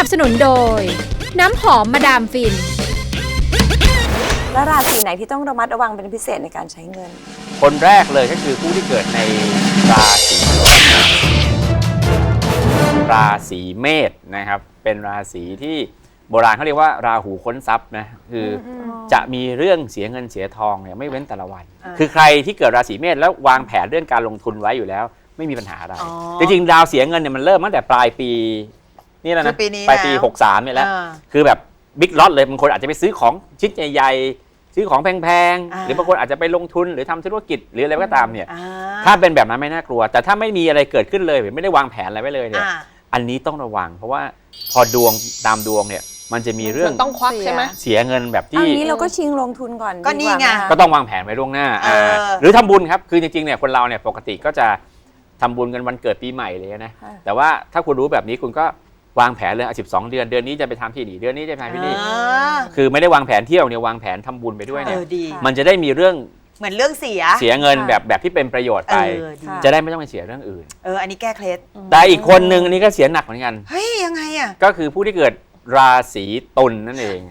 บสนุนโดยน้ำหอมมาดามฟินแล้วราศีไหนที่ต้องระมัดระวังเป็นพิเศษในการใช้เงินคนแรกเลยก็คือผู้ที่เกิดในราศีเมษนะครับเป็นราศีที่โบราณเขาเรียกว่าราหูค้นทรัพย์นะคือจะมีเรื่องเสียเงินเสียทองเนี่ยไม่เว้นแต่ละวันคือใครที่เกิดราศีเมษแล้ววางแผนเรื่องการลงทุนไว้อยู่แล้วไม่มีปัญหาอะไรจริงๆดาวเสียเงินเนี่ยมันเริ่มตั้งแต่ปลายปีนี่แล้วนะปลายปี63เนี่ยแล้วคือแบบบิ๊กล็อตเลยบางคนอาจจะไปซื้อของชิ้นใหญ่ๆซื้อของแพงๆหรือบางคนอาจจะไปลงทุนหรือทำธุรกิจหรืออะไรก็ตามเนี่ยถ้าเป็นแบบนั้นไม่น่ากลัวแต่ถ้าไม่มีอะไรเกิดขึ้นเลยไม่ได้วางแผนอะไรไว้เลยเนี่ยอันนี้ต้องระวังเพราะว่าพอดวงตามดวงเนี่ยมันจะมีเรื่องต้องควักใช่ไหมเสียเงินแบบที่อันนี้เราก็ชิงลงทุนก่อนก็นี่ไงก็ต้องวางแผนไว้ล่วงหน้าหรือทำบุญครับคือจริงๆเนี่ยคนเราเนี่ยปกติก็จะทำบุญกันวันเกิดปีใหม่เลยนะแต่ว่าถ้าคุณรู้แบบนี้คุณก็วางแผนเลย12 เดือนเดือนนี้จะไปทำที่นี่เดือนนี้จะไปทำที่นี่คือไม่ได้วางแผนเที่ยวเนี่ยวางแผนทำบุญไปด้วยเนี่ยมันจะได้มีเรื่องเหมือนเรื่องเสียเงินแบบที่เป็นประโยชน์ไปจะได้ไม่ต้องไปเสียเรื่องอื่นอันนี้แก้เคล็ดแต่อีกคนนึงอันนี้ก็เสียหนักเหมือนกันเฮ้ยยังไงอ่ะก็คือผู้ที่เกิดราศีตุลนั่นเอง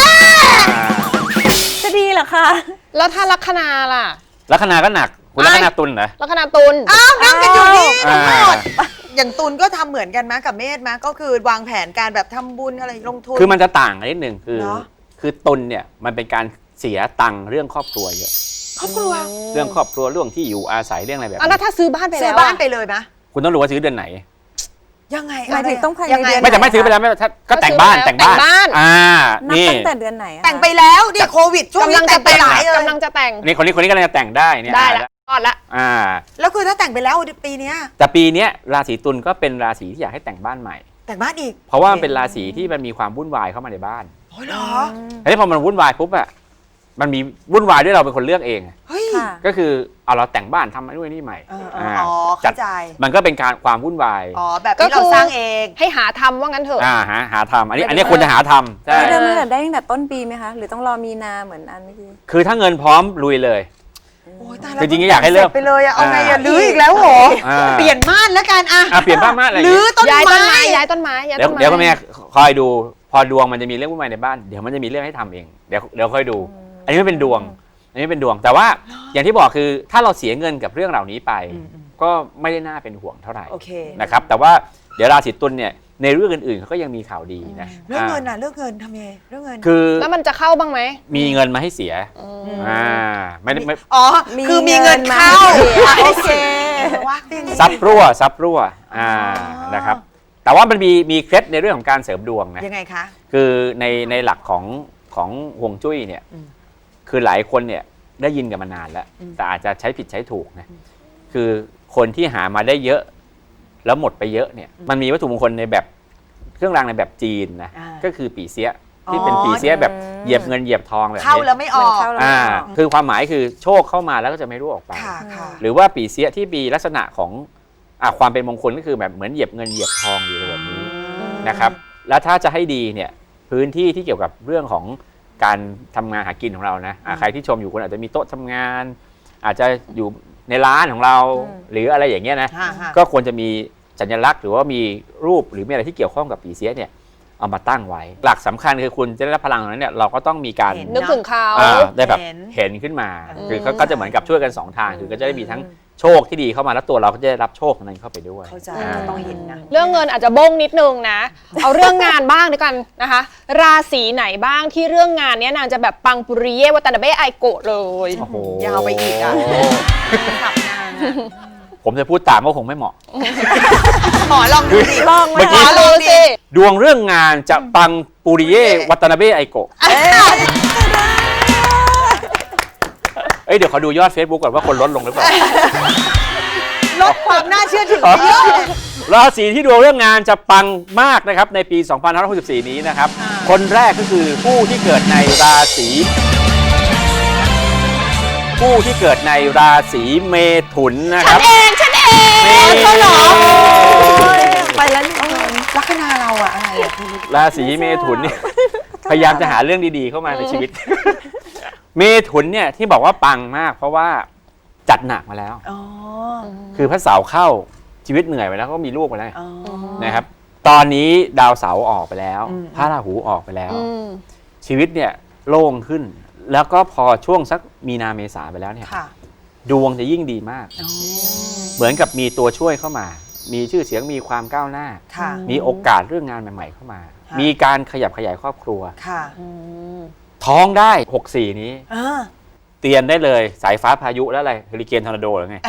จะดีเหรอคะแล้วถ้าลัคนาล่ะลัคนาก็หนักคุณลัคนาตุลเหรอลัคนาตุลนั่งกันอยู่นี่ทั้งหมดอย่างตุลก็ทำเหมือนกันไหมกับเมษไหมก็คือวางแผนการแบบทำบุญอะไรลงทุนคือมันจะต่างกันนิดนึงคือตุลเนี่ยมันเป็นการเสียตังค์เรื่องครอบครัวเยอะครอบครัวเรื่องครอบครัวเรื่องที่อยู่อาศัยเรื่องอะไรแบบนี้แล้วถ้าซื้อบ้านไปแล้วซื้อบ้านไปเลยไหมคุณต้องรู้ว่าซื้อเดือนไหนยังไงหมายถึงต้องภายในเดือนไม่แต่ไม่ซื้อไปแล้วไม่ก็แต่งบ้านนี่ตั้งแต่เดือนไหนแต่งไปแล้วดิโควิดช่วงนี้แต่งไปหลายกำลังจะแต่งนี่คนนี้กำลังจะแต่งได้เนี่ยได้แล้วรอดละแล้วคือถ้าแต่งไปแล้วปีนี้แต่ปีนี้ราศีตุลก็เป็นราศีที่อยากให้แต่งบ้านใหม่แต่งบ้านอีกเพราะว่ามันเป็นราศีที่มันมีความวุ่นวายเข้ามาในบ้านโอ้ยเหรอแล้วพอมันวุ่นวายปุ๊บอะมันมีวุ่นวายด้วยเราเป็นคนเลือกเองก็คือเอาเราแต่งบ้านทำนู่นนี่ใหม่เข้าใจมันก็เป็นการความวุ่นวายแบบที่เราสร้างเองให้หาทำว่างั้นเถอะหาทำอันนี้ควรจะหาทำใช่เริ่มได้ตั้งแต่ต้นปีไหมคะหรือต้องรอมีนาเหมือนอันเมื่อกี้คือถ้าเงินพร้อมลุยเลยจริงๆอยากให้เลิกไปเลยเอาไงอย่าลื้ออีกแล้วโหเปลี่ยนม่านแล้วกันเปลี่ยนม่านอะไรลื้อต้นไม้ย้ายต้นไม้เดี๋ยวแม่คอยดูพอดวงมันจะมีเรื่องวุ่นวายในบ้านเดี๋ยวมันจะมีเรื่องให้ทำเองเดี๋ยวค่อยดูอันนี้ไม่เป็นดวงแต่ว่าอย่างที่บอกคือถ้าเราเสียเงินกับเรื่องเหล่านี้ไปก็ไม่ได้น่าเป็นห่วงเท่าไหร่นะครับแต่ว่าเดี๋ยวราศีตุลเนี่ยในเรื่องอื่นๆเขาก็ยังมีข่าวดีนะเรื่องเงินเรื่องเงินทำยังไงเรื่องเงินคือแล้วมันจะเข้าบ้างไหมมีเงินมาให้เสียไม่คือมีเงินเข้าโอเคซับรั่วนะครับแต่ว่ามันมีเคล็ดในเรื่องของการเสริมดวงนะยังไงคะคือในหลักของฮวงจุ้ยเนี่ยคือหลายคนเนี่ยได้ยินกันมานานแล้วแต่อาจจะใช้ผิดใช้ถูกนะคือคนที่หามาได้เยอะแล้วหมดไปเยอะเนี่ยมันมีวัตถุมงคลในแบบเครื่องรางในแบบจีนนะก็คือปี่เสียที่เป็นปี่เสียแบบเหยียบเงินเหยียบทองแบบนี้เข้าแล้วไม่ออกคือความหมายคือโชคเข้ามาแล้วก็จะไม่รู้ออกไปหรือว่าปี่เสียที่มีลักษณะของความเป็นมงคลก็คือแบบเหมือนเหยียบเงินเหยียบทองอยู่แบบนี้นะครับแล้วถ้าจะให้ดีเนี่ยพื้นที่ที่เกี่ยวกับเรื่องของการทำงานหากินของเรานะใครที่ชมอยู่คุณอาจจะมีโต๊ะทำงานอาจจะอยู่ในร้านของเราหรืออะไรอย่างเงี้ยนะก็ควรจะมีสัญลักษณ์หรือว่ามีรูปหรือมีอะไรที่เกี่ยวข้องกับปี่เสียเนี่ยเอามาตั้งไว้หลักสำคัญคือคุณจะได้รับพลังนั้นเนี่ยเราก็ต้องมีการนึกถึงเขาได้แบบเห็นขึ้นมาคือก็จะเหมือนกับช่วยกัน2ทางคือก็จะได้มีทั้งโชคที่ดีเข้ามาแล้วตัวเราก็จะได้รับโชคนั้นเข้าไปด้วยเข้าใจต้องเห็นนะเรื่องเงินอาจจะบ้งนิดนึงนะเอาเรื่องงานบ้างด้วยกันนะคะราศีไหนบ้างที่เรื่องงานเนี้ยนางจะแบบปังปุริเยวาตานาเบะไอโกะเลยยาวไปอีกขับนางผมจะพูดตามก็คงไม่เหมาะหมอลองดูดิลองเมื่อกี้ดวงเรื่องงานจะปังปุริเยวาตานาเบะไอโกะเดี๋ยวขอดูยอด Facebook ก่อนว่าคนลดลงหรือเปล่าลดความน่าเชื่อถือเยอะราศีที่ดวงเรื่องงานจะปังมากนะครับในปี 2564 นี้นะครับคนแรกก็คือผู้ที่เกิดในราศีเมถุนนะครับฉันเองเขาหรอไปแล้วลัคนาเราอะอะไรราศีเมถุนเนี่ยพยายามจะหาเรื่องดีๆเข้ามาในชีวิตเมถุนเนี่ยที่บอกว่าปังมากเพราะว่าจัดหนักมาแล้วคือพระเสาร์เข้าชีวิตเหนื่อยไปแล้วก็มีลูกไปแล้วนะครับตอนนี้ดาวเสาร์ออกไปแล้วพระราหูออกไปแล้ว ชีวิตเนี่ยโล่งขึ้น แล้วก็พอช่วงสักมีนาเมษาไปแล้วเนี่ยค่ะดวงจะยิ่งดีมาก เหมือนกับมีตัวช่วยเข้ามา มีชื่อเสียงมีความก้าวหน้าค่ะมีโอกาสเรื่องงานใหม่ๆเข้ามาค่ะมีการขยับขยายครอบครัวค่ะท้องได้64นี้อ่าเตียนได้เลยสายฟ้าพายุแล้วอะไรเฮอริเคนทอร์นาโดหรือไง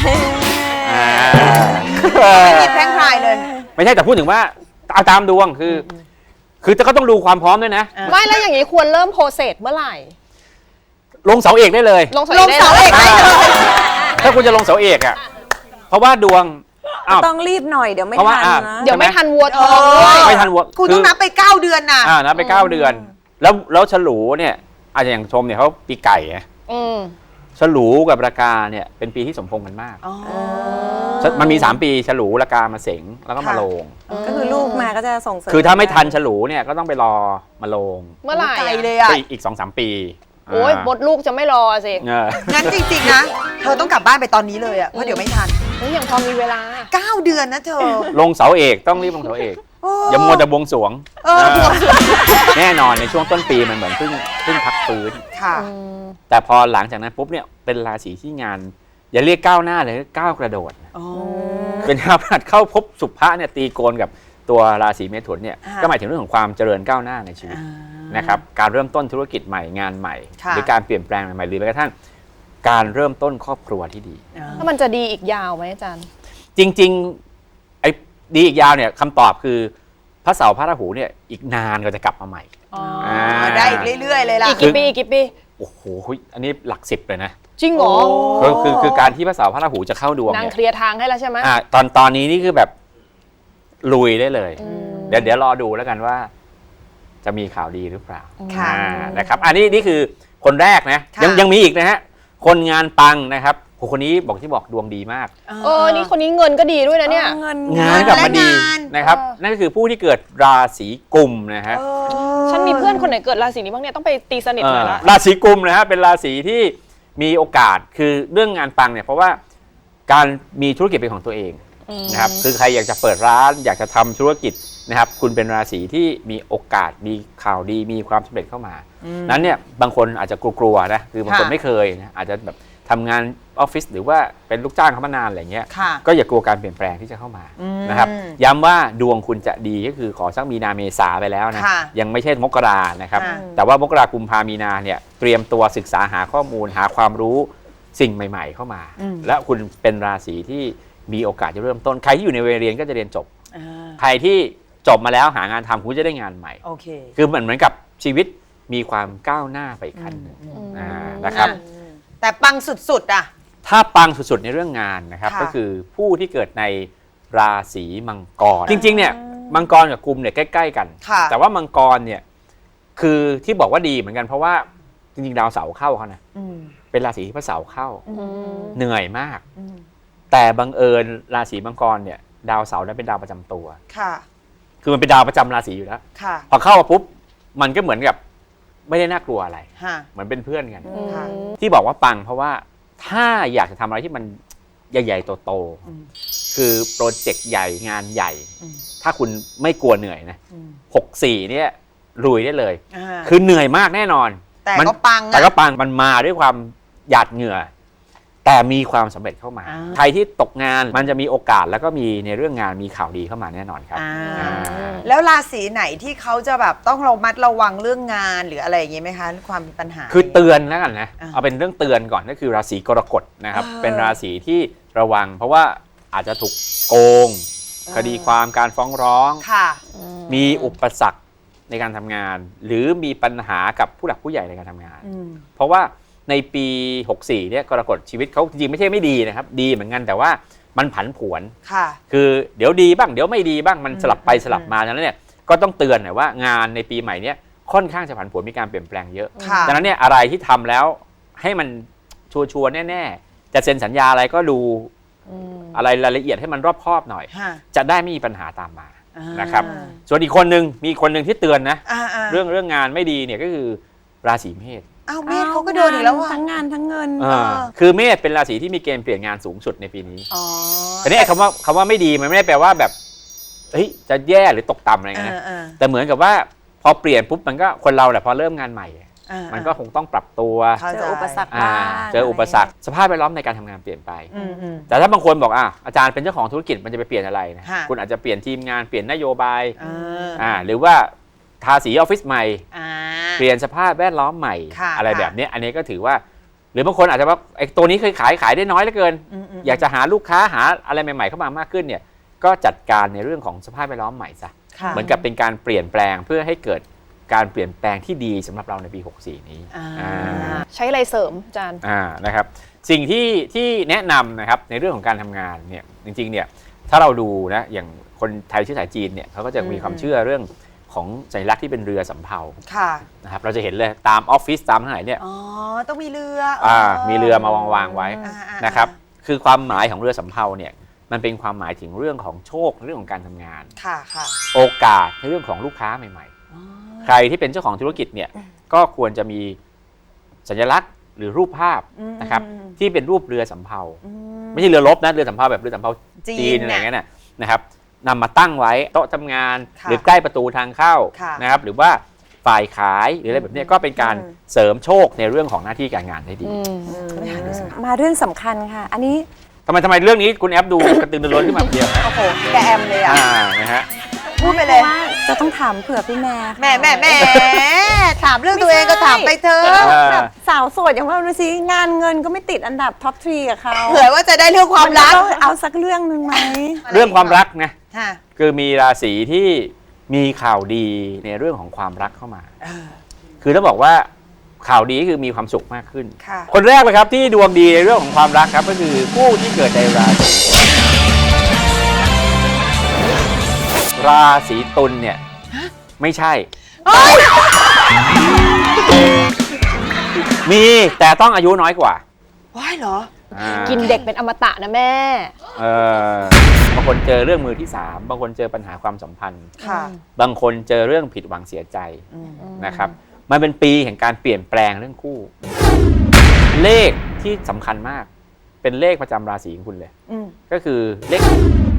หยิบแพร่งพรายเลยไม่ใช่แต่พูดถึงว่าเอาตามดวงคือก็ต้องดูความพร้อมด้วยนะไม่แล้วอย่างนี้ควรเริ่มโปรเซสเมื่อไหร่ลงเสาเอกได้เลยลงเสาลงเสาเอกได้เลยถ้าคุณจะลงเสาเอกอ่ะเพราะว่าดวงอ้าวต้องรีบหน่อยเดี๋ยวไม่เพราะว่าทันนะเดี๋ยวไม่ทันวัวทองด้วยไม่ทันวัวคุณต้องนับไป 9 เดือนนะนับไป9 เดือน แล้วฉลูเนี่ยอาจจะอย่างชมเนี่ยเขาปีไก่ไงอืมฉลูกับรากาเนี่ยเป็นปีที่สมพงษ์กันมากอ๋อมันมี3 ปีฉลูรากามาเสงแล้วก็มาค่ะโลงก็คือลูกมาก็จะส่งเสริมคือถ้าไม่ทันฉลูเนี่ยก็ต้องไปรอมาโลงเมื่อไหร่ไกลอะเลยอ่ะก็อีก 2-3 ปีโอ้ยมดลูกจะไม่รอสิเอองั้นจริงๆนะ เธอต้องกลับบ้านไปตอนนี้เลยอ่ะ เพราะเดี๋ยวไม่ทันเฮ้ยยังพอมีเวลา 9 เดือนนะเธอลงเสาเอกต้องรีบลงเสาเอกโอ้อย่ามัวแต่บวงสรวงบวงสรวงแน่นอนในช่วงต้นปีมันเหมือนเพิ่งพักฟื้นค่ะแต่พอหลังจากนั้นปุ๊บเนี่ยเป็นราศีที่งาน อย่าเรียกก้าวหน้าเลยก้าวกระโดดอ๋อเป็นดาวพฤหัสเข้าพบสุภะเนี่ยตีโกนกับตัวราศีเมถุนเนี่ยค่ะก็หมายถึงเรื่องของความเจริญก้าวหน้าในชีวิตนะครับการเริ่มต้นธุรกิจใหม่งานใหม่ค่ะหรือการเปลี่ยนแปลงใหม่ๆหรือแม้กระทั่งการเริ่มต้นครอบครัวที่ดีแล้วมันจะดีอีกยาวไหมอาจารย์จริงๆไอ้ดีอีกยาวเนี่ยคำตอบคือพระเสาร์พระราหูเนี่ยอีกนานก็จะกลับมาใหม่อ๋อได้อีกเรื่อยๆเลยล่ะอีกกี่ปีอีกกี่ปีโอ้โหอันนี้หลัก10เลยนะจริงเหรอคือการที่พระเสาร์พระราหูจะเข้าดวงนางเนี่ยเคลียร์ทางให้แล้วใช่ไหมตอนนี้นี่คือแบบลุยได้เลย เดี๋ยวรอดูแล้วกันว่า จะมีข่าวดีหรือเปล่าค่ะนะครับอันนี้นี่คือคนแรกนะค่ะยังมีอีกนะฮะคนงานปังนะครับคนนี้บอกดวงดีมากนี่คนนี้เงินก็ดีด้วยนะเนี่ยเงินงานกลับมาดีและงานนะครับ นั่นก็คือผู้ที่เกิดราศีกุมนะฮะฉันมีเพื่อนคนไหนเกิดราศีนี้บ้างเนี่ยต้องไปตีสนิทหน่อยละราศีกุมนะฮะเป็นราศีที่มีโอกาสคือเรื่องงานปังเนี่ยเพราะว่าการมีธุรกิจเป็นของตัวเองนะครับคือใครอยากจะเปิดร้านอยากจะทำธุรกิจนะครับคุณเป็นราศีที่มีโอกาสมีข่าวดีมีความสำเร็จเข้ามานั้นเนี่ยบางคนอาจจะกลัวๆนะคือบางคนไม่เคยนะอาจจะแบบทำงานออฟฟิศหรือว่าเป็นลูกจ้างเขามานานอะไรเงี้ยค่ะก็อย่ากลัวการเปลี่ยนแปลงที่จะเข้ามาอืมนะครับย้ำว่าดวงคุณจะดีก็คือขอสักมีนาเมษาไปแล้วนะค่ะยังไม่ใช่มกรานะครับค่ะแต่ว่ามกรากุมภามีนาเนี่ยเตรียมตัวศึกษาหาข้อมูลหาความรู้สิ่งใหม่ ๆ เข้ามา และคุณเป็นราศีที่มีโอกาสจะเริ่มต้นใครที่อยู่ในวัยเรียนก็จะเรียนจบ ใครที่จบมาแล้วหางานทำคุณจะได้งานใหม่โอเคคือเหมือนกับชีวิตมีความก้าวหน้าไปอีกขั้นหนึ่งนะครับแต่ปังสุดๆอ่ะถ้าปังสุดๆในเรื่องงานนะครับค่ะก็คือผู้ที่เกิดในราศีมังกร จริงๆเนี่ยมังกรกับกุมเนี่ยใกล้ๆกันค่ะแต่ว่ามังกรเนี่ยคือที่บอกว่าดีเหมือนกันเพราะว่าจริงๆดาวเสาร์เข้าเขานะเป็นราศีที่พระเสาร์เข้าเหนื่อยมาก แต่บังเอิญราศีมังกรเนี่ยดาวเสาร์นั้นเป็นดาวประจำตัวค่ะคือมันเป็นดาวประจำราศีอยู่แล้วค่ะพอเข้ามาปุ๊บมันก็เหมือนกับไม่ได้น่ากลัวอะไรฮะเหมือนเป็นเพื่อนกันค่ะที่บอกว่าปังเพราะว่าถ้าอยากจะทำอะไรที่มันใหญ่ๆโตๆคือโปรเจกต์ใหญ่งานใหญ่ ถ้าคุณไม่กลัวเหนื่อยนะ64เนี่ยลุยได้เลย คือเหนื่อยมากแน่นอนแต่มันก็ปังแต่ก็ปังมันมาด้วยความหยาดเหงื่อ แต่มีความสำเร็จเข้ามา ใครที่ตกงานมันจะมีโอกาสแล้วก็มีในเรื่องงานมีข่าวดีเข้ามาแน่นอนครับแล้วราศีไหนที่เขาจะแบบต้องระมัดระวังเรื่องงานหรืออะไรอย่างงี้ไหมคะความปัญหาคือเตือนแล้วกันนะอ่าเอาเป็นเรื่องเตือนก่อนก็คือราศีกรกฎนะครับอ่าเป็นราศีที่ระวัง เพราะว่าอาจจะถูกโกง คดีความการฟ้องร้องค่ะมีอุปสรรคในการทำงาน หรือมีปัญหากับผู้หลักผู้ใหญ่ในการทำงาน เพราะว่าในปี 64เนี่ยกรกฎชีวิตเขาจริงๆไม่ใช่ไม่ดีนะครับ ดีเหมือนกันแต่ว่ามันผันผวนค่ะคือเดี๋ยวดีบ้างเดี๋ยวไม่ดีบ้างมันสลับไปสลับมาดังนั้นเนี่ยก็ต้องเตือนหน่อยว่างานในปีใหม่เนี้ยค่อนข้างจะผันผวนมีการเปลี่ยนแปลงเยอะค่ะดังนั้นเนี่ยอะไรที่ทำแล้วให้มันชัวร์ๆแน่ๆจะเซ็นสัญญาอะไรก็ดูอะไรรายละเอียดให้มันรอบคอบหน่อยฮะจะได้ไม่มีปัญหาตามมาอ่านะครับส่วนอีกคนหนึ่งมีคนหนึ่งที่เตือนนะๆเรื่องงานไม่ดีเนี่ยก็คือราศีเมษอ้าวเมธเขาก็โดนอีกแล้วอ่ะทั้งงานทั้งเงินคือเมษเป็นราศีที่มีเกณฑ์เปลี่ยนงานสูงสุดในปีนี้อ๋อแต่นี่คำว่าไม่ดีมันไม่ได้แปลว่าแบบเฮ้ยจะแย่หรือตกต่ำอะไรเงี้ยนะแต่เหมือนกับว่าพอเปลี่ยนปุ๊บมันก็คนเราแหละพอเริ่มงานใหม่มันก็คงต้องปรับตัวเจออุปสรรคบ้างเจออุปสรรคสภาพแวดล้อมในการทำงานเปลี่ยนไปแต่ถ้าบางคนบอกอาจารย์เป็นเจ้าของธุรกิจมันจะไปเปลี่ยนอะไรนะคุณอาจจะเปลี่ยนทีมงานเปลี่ยนนโยบายหรือว่าทาสีออฟฟิศใหม่เปลี่ยนสภาพแวดล้อมใหม่อะไรแบบนี้อันนี้ก็ถือว่าหรือบางคนอาจจะว่าไอ้ตัวนี้เคยขายได้น้อยเหลือเกินอยากจะหาลูกค้าหาอะไรใหม่ๆเข้ามามากขึ้นเนี่ยก็จัดการในเรื่องของสภาพแวดล้อมใหม่ซะเหมือนกับเป็นการเปลี่ยนแปลงเพื่อให้เกิดการเปลี่ยนแปลงที่ดีสำหรับเราในปี 64 นี้ใช้อะไรเสริมอาจารย์นะครับสิ่งที่แนะนำนะครับในเรื่องของการทำงานเนี่ยจริงๆเนี่ยถ้าเราดูนะอย่างคนไทยเชื้อสายจีนเนี่ยเขาก็จะมีความเชื่อเรื่องของสัญลักษณ์ที่เป็นเรือสำเภานะครับเราจะเห็นเลยตามออฟฟิศตามที่ไหนเนี่ยต้องมีเรือมีเรือมาวางไว้นะครับคือความหมายของเรือสำเภาเนี่ยมันเป็นความหมายถึงเรื่องของโชคเรื่องของการทำงานโอกาสในเรื่องของลูกค้าใหม่ๆใครที่เป็นเจ้าของธุรกิจเนี่ยก็ควรจะมีสัญลักษณ์หรือรูปภาพนะครับที่เป็นรูปเรือสำเภาไม่ใช่เรือรบนะเรือสำเภาแบบเรือสำเภาจีนอะไรเงี้ยนะครับนำมาตั้งไว้โต๊ะทำงานหรือใกล้ประตูทางเข้านะครับหรือว่าฝ่ายขายหรืออะไรแบบนี้ก็เป็นการเสริมโชคในเรื่องของหน้าที่การงานได้ดีมาเรื่องสำคัญค่ะอันนี้ทำไมเรื่องนี้คุณแอปดูกระตือรือร้นขึ้นมาเดียวนะโอ้โหแกแอมเลยนะฮะพูดไปเลยจะต้องถามเผื่อพี่แม่แม่ถามเรื่องตัวเองก็ถามไปเถอะแบบสาวโสดอย่างว่าดูสิงานเงินก็ไม่ติดอันดับท็อปทรีกับเขาเผื่อว่าจะได้เรื่องความรักเอาสักเรื่องหนึ่งไหมเรื่องความรักนะคือมีราศีที่มีข่าวดีในเรื่องของความรักเข้ามาคือต้องบอกว่าข่าวดีคือมีความสุขมากขึ้นคนแรกเลยครับที่ดวงดีในเรื่องของความรักครับก็คือผู้ที่เกิดในราศีตุลเนี่ยไม่ใช่มีแต่ต้องอายุน้อยกว่าว้ายเหรอกินเด็กเป็นอมตะนะแม่บางคนเจอเรื่องมือที่3บางคนเจอปัญหาความสัมพันธ์บางคนเจอเรื่องผิดหวังเสียใจนะครับมันเป็นปีแห่งการเปลี่ยนแปลงเรื่องคู่เลขที่สำคัญมากเป็นเลขประจำราศีของคุณเลยก็คือเลข